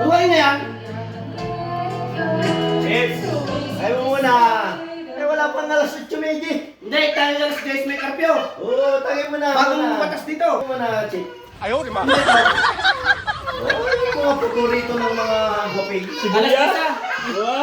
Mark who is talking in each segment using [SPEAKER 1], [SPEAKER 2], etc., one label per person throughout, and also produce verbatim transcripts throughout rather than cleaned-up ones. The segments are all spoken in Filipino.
[SPEAKER 1] Buhay na yan. Chips, ayaw mo muna. Eh, wala pang alas eight Megi. Hindi, tayo alas guys, may karpyo. Oo, tagay mo na. Bagong patas dito. Ayaw mo na, Chips. Ayaw, di ba? Oo, yung mga paborito ng mga hoping.
[SPEAKER 2] Sibuyas? Diba?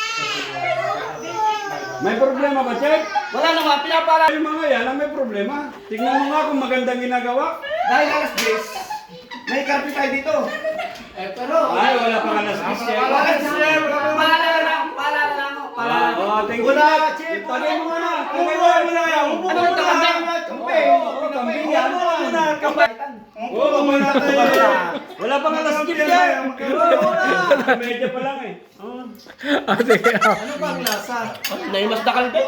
[SPEAKER 2] May problema ba, Chek?
[SPEAKER 1] Wala naman, pinapara.
[SPEAKER 2] Yung mga yan ang may problema. Tignan mo nga kung magandang ginagawa.
[SPEAKER 1] Dahil alas guys, may karpyo tayo dito. Eh, pero...
[SPEAKER 2] Ay, wala pang alas diyes, Chek.
[SPEAKER 1] Wala ka, Chef. Paalala na ako, paalala na ako.
[SPEAKER 2] Ah, oh, thank you.
[SPEAKER 1] Wala, Chef.
[SPEAKER 2] Tagay mo na. Tagay mo na yan.
[SPEAKER 1] Ano yung kambing? Kambing.
[SPEAKER 2] Oo, kambing yan.
[SPEAKER 1] Ano muna, kambing.
[SPEAKER 2] Oo, kambing natin. Wala pang alas diyes yan. Medya pa lang eh.
[SPEAKER 1] Ano ba ang lasa? Naimas na kalde.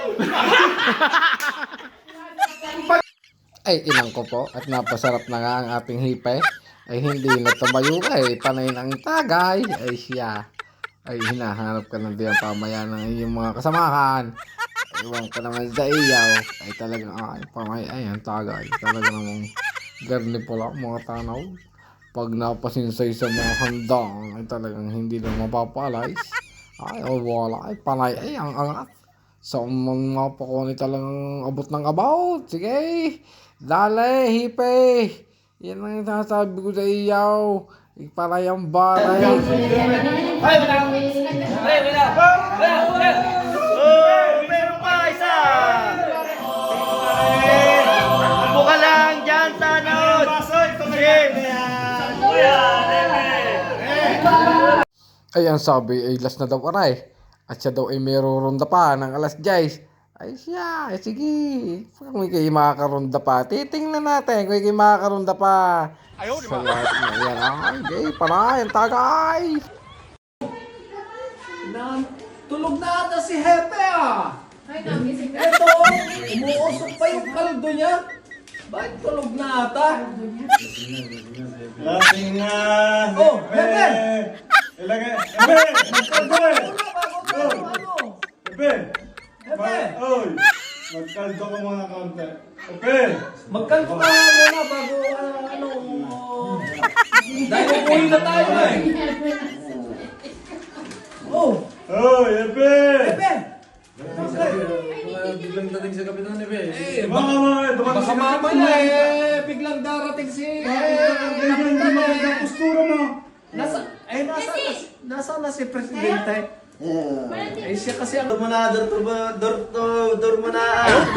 [SPEAKER 3] Ay, inang ko po at napasarap na nga ang ating hipay. Ay hindi na tumayo ay panay ng tagay. Ay siya. Ay hinahanap ka ng diyan pamaya ng iyong mga kasamahan. Iwan ka naman sa iyaw. Ay talagang ay pamay ay ang tagay. Talaga namang garni pala mga tanaw. Pag napasinsay sa mga handang ay talagang hindi na mapapalay. Ay oh, wala ay panay ay ang angat. Sa mga pakoni talagang abot ng about. Sige. Dale, hipe! Yan ang sasabi ko sa iyaw. Iparay ang baray.
[SPEAKER 1] Ay, wala. Ay, wala. Wala. Oh, meron pa isa. Buka lang dyan sa nood.
[SPEAKER 3] Ay, ang sabi ay last na daw aray. At siya daw ay meron pa ng alas diyes. Ay siya, ay sige. Kung kayo makakaronda pa, titingnan natin kung kayo makakaronda pa. Ayaw, di ba? Sa lahat na yan, ay, gay, panay, ang tagay.
[SPEAKER 4] Tulog na ata si Hepe ah! Eto, umuusok pa yung kaldo niya. Bakit tulog na ata?
[SPEAKER 2] Lasing na.
[SPEAKER 4] Oh, Hepe!
[SPEAKER 2] Ilagay. Ebe! Ebe!
[SPEAKER 4] Ano?
[SPEAKER 2] Ebe!
[SPEAKER 4] Hepe!
[SPEAKER 2] Oy! Magkaldo ko mga konti. Ebe!
[SPEAKER 4] Magkalko ka muna bago uh, ano... Dahil uuwi na tayo eh! Oh!
[SPEAKER 2] Oy! Ebe!
[SPEAKER 4] Hepe!
[SPEAKER 5] Biglang dating sa kapitan ni Be.
[SPEAKER 4] Eh,
[SPEAKER 2] Mga mga! Dumating
[SPEAKER 4] baka
[SPEAKER 2] si
[SPEAKER 4] mamaya eh, biglang darating si... Eh,
[SPEAKER 2] Hindi magandang postura mo.
[SPEAKER 4] nasa... Eh, nasa... Nasa na si Presidente? Eh, siya kasi ang...
[SPEAKER 1] Dur mo na, dur, dur, dur, dur, dur mo na.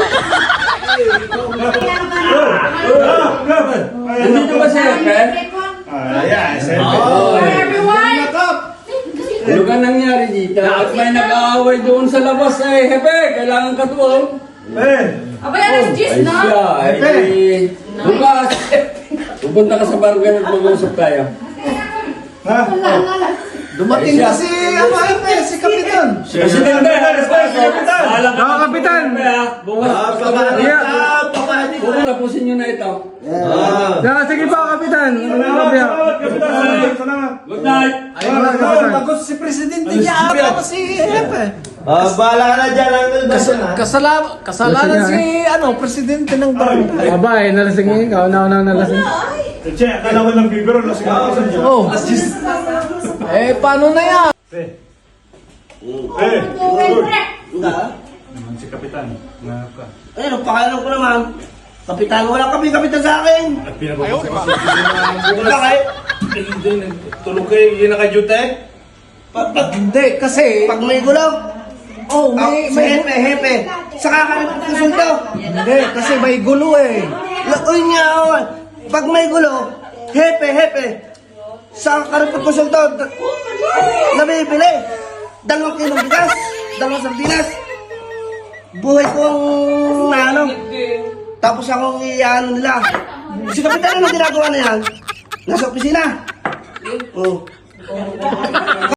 [SPEAKER 5] Nandito ba si Hepe?
[SPEAKER 2] Ayan,
[SPEAKER 5] Oh,
[SPEAKER 4] everyone!
[SPEAKER 5] ano ka nangyari dito? At may nag-aaway doon sa labas eh. Hepe, kailangan ka doon.
[SPEAKER 2] Eh!
[SPEAKER 6] Aba, alas diyes
[SPEAKER 5] Ay
[SPEAKER 6] na.
[SPEAKER 5] siya, ay di... Bukas! Pupunta ka sa barangay at mag-uusap tayo.
[SPEAKER 2] Ha?
[SPEAKER 4] Dumating na si... Ano, Hepe? Si Kapitan!
[SPEAKER 5] Presidente, Kapitan! Bahala ka
[SPEAKER 3] Oo, Kapitan!
[SPEAKER 5] Bukas,
[SPEAKER 1] Ah,
[SPEAKER 5] basta
[SPEAKER 1] pabalik
[SPEAKER 5] ba?
[SPEAKER 1] ka, pabalik ka.
[SPEAKER 5] Bukas, tapusin nyo na ito.
[SPEAKER 3] Yeah, sige po, Kapitan.
[SPEAKER 2] Salamat! Salamat! Kapitan! Salamat! Salamat!
[SPEAKER 5] Good night!
[SPEAKER 4] Ayun, bagot si Presidente niya ata si Hepe.
[SPEAKER 1] Ah, bahala ka na dyan, Uncle
[SPEAKER 4] Kas
[SPEAKER 1] Dawson, ha?
[SPEAKER 4] kasala kasalanan si ano, Presidente ng barangay.
[SPEAKER 3] Aba, eh, nalasing yun. Ikaw, una-una nalasing.
[SPEAKER 2] Che, akala ko lang bibiro. Lasing ako sa dyan.
[SPEAKER 4] Oh. Eh, paano na yan?
[SPEAKER 2] Eh! Eh!
[SPEAKER 1] Ha?
[SPEAKER 2] Si Kapitan. Nga ka.
[SPEAKER 1] Eh, nagpakalam ko naman. Kapitan, wala kami kapitan sa akin.
[SPEAKER 2] At pinabukas ko.
[SPEAKER 1] Wala kayo.
[SPEAKER 2] Tulog kayo, yun naka-duty?
[SPEAKER 1] Pag, pag,
[SPEAKER 4] Hindi, kasi...
[SPEAKER 1] pag may gulo.
[SPEAKER 4] Oh,
[SPEAKER 1] May,
[SPEAKER 4] may...
[SPEAKER 1] may
[SPEAKER 4] may
[SPEAKER 1] hepe, hepe. Saka ka rin kusulto.
[SPEAKER 4] hindi, kasi may gulo eh.
[SPEAKER 1] Lakoy niya ako. Pag may gulo, hepe, hepe. Saka ka rin kusulto. Nabibili. Dalawang kilong bigas. Dalawang sardinas. Buhay kong ano. Tapos akong iyan nila. Si Kapitan, ano ginagawa na yan? Nasa opisina. Oh.